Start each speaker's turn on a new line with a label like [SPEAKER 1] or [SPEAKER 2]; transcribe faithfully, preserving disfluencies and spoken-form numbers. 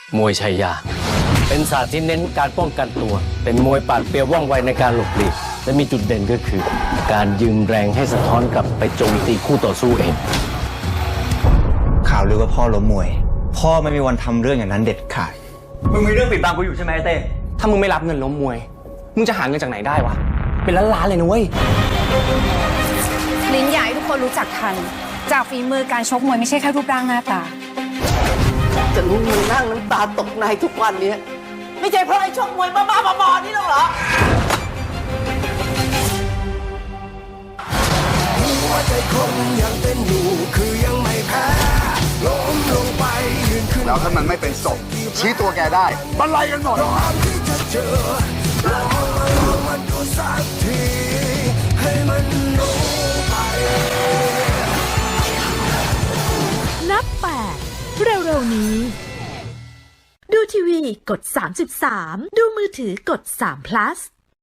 [SPEAKER 1] มวยชัยยาเป็นศาสตร์ที่เน้นการป้องกันตัวเป็นมวยปราดเปรียวว่องไวในการหลบหลีกและมีจุดเด่นก็คือ การยืมแรงให้สะท้อนกลับไปโจมตีคู่ต่อสู้เอง
[SPEAKER 2] ข่าวลือว่าพ่อล้มมวย พ่อไม่มีวันทำเรื่องอย่างนั้นเด็ดขาดมึงมีเรื่องปิดบังกูอยู่ใช่ไหมเต้ถ้ามึงไม่รับเงินล้มมวยมึงจะหาเงินจากไหนได้วะเป็นล้านล้านเลยนะเว้ย
[SPEAKER 3] ลิ้นใหญ่ทุกคนรู้จักทันจากฝีมือการชกมวยไม่ใช่แค่รูปร่างหน้าตา
[SPEAKER 4] จะรู้มึงนั่งน้ำตาตกในทุกวันนี้ไม่ใช่เพราะไอ้ชกมวยบ้าๆบอๆนี่หรอกเหรอ
[SPEAKER 5] หัวใจคงยังเป็นอยู่คือยังไม่แพ้ล้มลงไปยืนขึ้นแล้วถ้ามันไม่เป็นศพชี้ตัวแกได้บรรลัยกันหมดที่จะเจอลองมาลองมันดูสักทีให้มันรู้ไป
[SPEAKER 6] นับแปดเร็วๆนี้ดูทีวีกดสามสิบสามดูมือถือกดสาม plus